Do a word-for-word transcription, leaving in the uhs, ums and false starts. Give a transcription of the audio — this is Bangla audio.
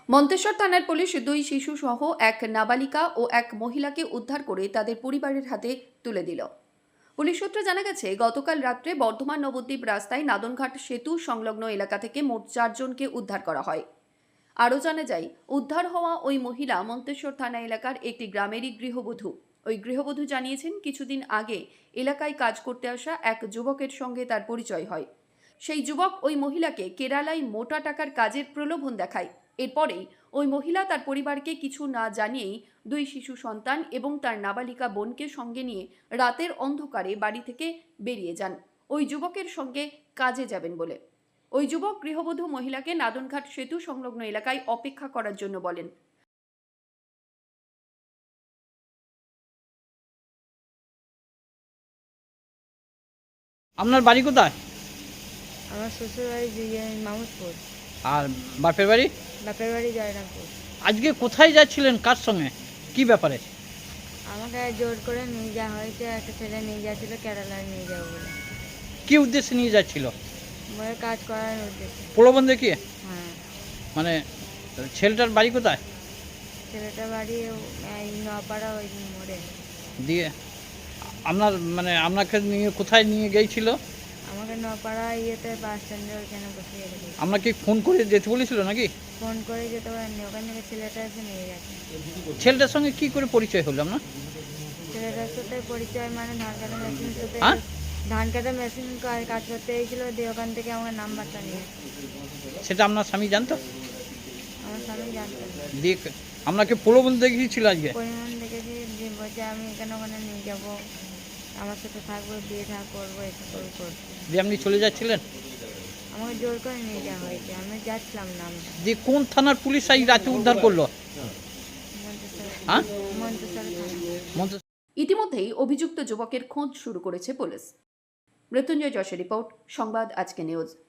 মন্তেশ্বর থানার পুলিশ দুই শিশু সহ এক নাবালিকা ও এক মহিলাকে উদ্ধার করে তাদের পরিবারের হাতে তুলে দিল। পুলিশ সূত্রে জানা গেছে, গতকাল রাত্রে বর্ধমান নবদ্বীপ রাস্তায় নাদনঘাট সেতু সংলগ্ন এলাকা থেকে মোট চারজনকে উদ্ধার করা হয়। আরও জানা যায়, উদ্ধার হওয়া ওই মহিলা মন্তেশ্বর থানা এলাকার একটি গ্রামেরই গৃহবধূ। ওই গৃহবধূ জানিয়েছেন, কিছুদিন আগে এলাকায় কাজ করতে আসা এক যুবকের সঙ্গে তার পরিচয় হয়। সেই যুবক ওই মহিলাকে কেরালায় মোটা টাকার কাজের প্রলোভন দেখায়। এরপরেই ওই মহিলা তার পরিবারকে কিছু না জানিয়েই দুই শিশু সন্তান এবং তার নাবালিকা বোনকে সঙ্গে নিয়ে রাতের অন্ধকারে বাড়ি থেকে বেরিয়ে যান ওই যুবকের সঙ্গে কাজে যাবেন বলে। ওই যুবক গৃহবধূ মহিলাকে নাদনঘাট সেতু সংলগ্ন এলাকায় অপেক্ষা করার জন্য বলেন। আপনার বাড়ি কোথায়? আমার শ্বশুর বাড়ি মামুদপুর, আর বাপের বাড়ি? বাপের বাড়ি জয়রামপুর। আজকে কোথায় যাচ্ছিলেন, কার সঙ্গে, কি ব্যাপারে? আমাকে জোর করে নিয়ে যাওয়া হয়েছে, একটা ছেলে নিয়ে যাচ্ছিল কেরালায় নিয়ে যাবো বলে। কি উদ্দেশ্যে নিয়ে যাচ্ছিল? বলে কাজ করার উদ্দেশ্যে। প্রলোভন দেখিয়ে? হ্যাঁ। মানে ছেলেটার বাড়ি কোথায়? ছেলেটার বাড়ি এই নপাড়া ওই মোড়ে। দিয়ে আপনার মানে আপনাকে নিয়ে কোথায় নিয়ে গিয়েছিল? আমাকে নপাড়া ইয়েতে বাস স্ট্যান্ডে ওইখানে বসিয়ে রেখেছে। আপনাকে ফোন করে যেতে বলেছিল নাকি? ফোন করে যেতে পারেননি, ওখান থেকে ছেলেটা এসে নিয়ে গেছে। ছেলেটার সঙ্গে কি করে পরিচয় হলো আপনার? ছেলেটার সাথে পরিচয় মানে ধান কাটা মেশিন সাথে হ্যাঁ? ধান কাটা মেশিন কাজ করতে এসেছিল, দিয়ে ওখান থেকে আমার নাম্বারটা নিয়ে। সেটা আপনার স্বামী জানতো? আমার স্বামী জানতো না। দিয়ে আপনাকে প্রলোভন দেখিয়েছিল আজকে? পরিমাণ দেখেছি যে বলছে আমি এখানে ওখানে নিয়ে যাবো, আমার সাথে থাকবো, বিয়ে থা করবো, এটা করে করবো। দিয়ে আপনি চলে যাচ্ছিলেন? আমাকে জোর করে নিয়ে যাওয়া হয়েছে, আমি যাচ্ছিলাম না। আমরা দিয়ে কোন থানার পুলিশ এই রাতে উদ্ধার করলো? হ্যাঁ? মন্তেশ্বর থানা। মন্তেশ্বর। ইতিমধ্যেই অভিযুক্ত যুবকের খোঁজ শুরু করেছে পুলিশ। মৃত্যুঞ্জয় যশের রিপোর্ট, সংবাদ আজকে নিউজ।